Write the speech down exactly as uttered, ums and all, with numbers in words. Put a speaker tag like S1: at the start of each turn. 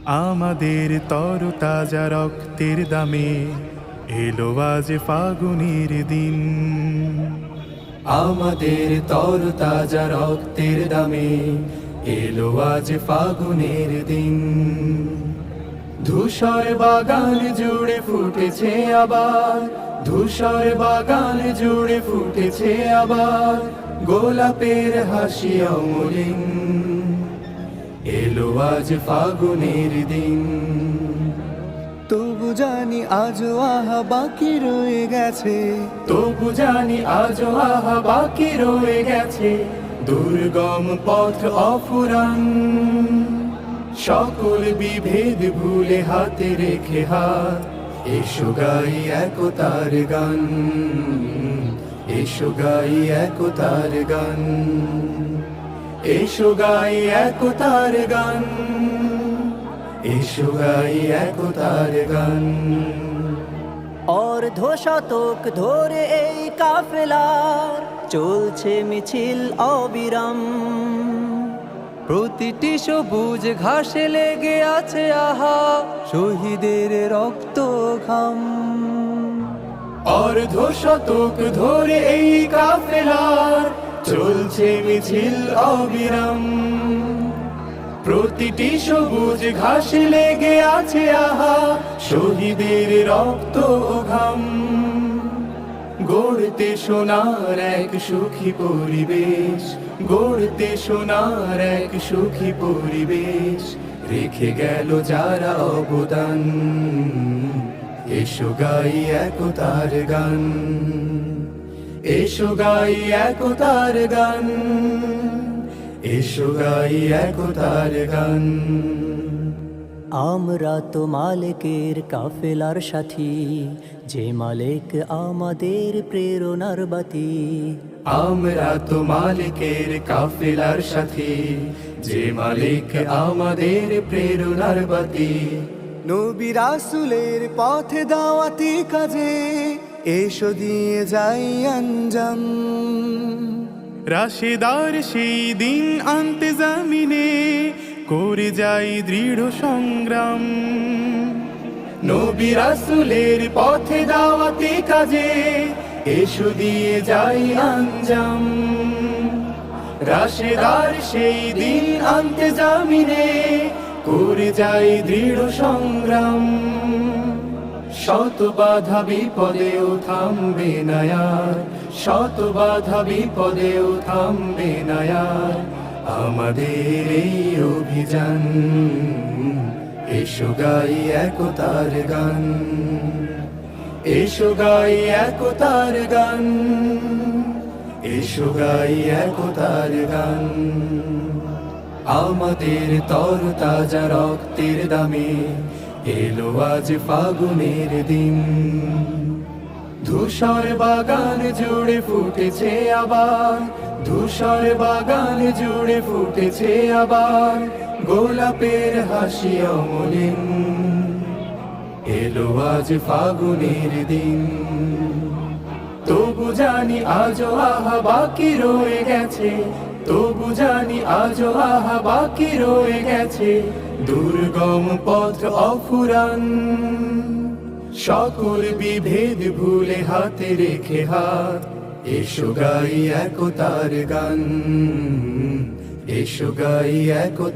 S1: আমাদের তরতাজা রক্তের দামে এলো আজ ফাগুনের দিন।
S2: আমাদের তরতাজা রক্তের দামে এলো আজ ফাগুনের দিন। ধূসর বাগান জুড়ে ফুটেছে আবার, ধূসর বাগান জুড়ে ফুটেছে আবার গোলাপের হাসি অমলিন। এলো আজ ফাগুনের দিন।
S3: তবু জানি আজও আহা বাকি রয়ে গেছে,
S2: তবু জানি আজও আহা বাকি রয়ে গেছে দুর্গম পথ অফুরান। সকল বিভেদ ভুলে হাতে রেখে হাত, এসো গাই একতার গান, এসো গাই একতার গান, এসো গাই একতার গান, এসো গাই একতার গান।
S4: অর্ধ শতক ধরে এই কাফেলার চলছে মিছিল অবিরাম।
S3: প্রতিটি সবুজ ঘাসে লেগে আছে আহা শহীদের রক্ত ঘাম।
S2: অর্ধ শতক ধরে এই কাফেলার চলছে মিছিল অবিরাম। প্রতিটি সবুজ ঘাসে লেগে আছে আহা শহীদের রক্ত ঘাম। গড়তে সোনার এক সুখী পরিবেশ, গড়তে সোনার এক সুখী পরিবেশ রেখে গেল যারা অবদান। এসো গাই একতার গান, এসো গাই একতার গান, এসো গাই একতার গান।
S4: আমরা তো মালিকের কাফেলার সাথী, যে মালিক আমাদের প্রেরণার বাতি।
S2: আমরা তো মালিকের কাফেলার সাথী, যে মালিক আমাদের প্রেরণার বাতি।
S3: নবী রাসূলের পথে দাওয়াতি কাজে এসো দিয়ে যাই আঞ্জাম।
S1: রাশেদার সেই দিন আনতে জামিনে করে যাই দৃঢ় সংগ্রাম।
S2: নবী রাসূলের পথে দাওয়াতি কাজে এসো দিয়ে যাই আঞ্জাম। রাশেদার সেই দিন আনতে জামিনে করে যাই দৃঢ় সংগ্রাম। শত বাধা বিপদেও থামবে না আর, শত বাধা বিপদেও থামবে না আর আমাদের এই অভিযান। এসো গাই একতার গান, এসো গাই একতার গান, এসো গাই একতার গান। আমাদের তরতাজা রক্তের দামে এলো আজ ফাগুনের দিন। ধূসর বাগান জুড়ে ফুটেছে আবার, ধূসর বাগান জুড়ে ফুটেছে আবার গোলাপের হাসি অমলিন। এলো আজ ফাগুনের দিন। তবু জানি আজও আহা বাকি রয়ে গেছে, তবু জানি আজও আহা বাকি রয়ে গেছে দুর্গম পথ অফুরান। সকল বিভেদ ভুলে হাতে রেখে হাত, এসো গাই একতার গান, এসো গাই একতার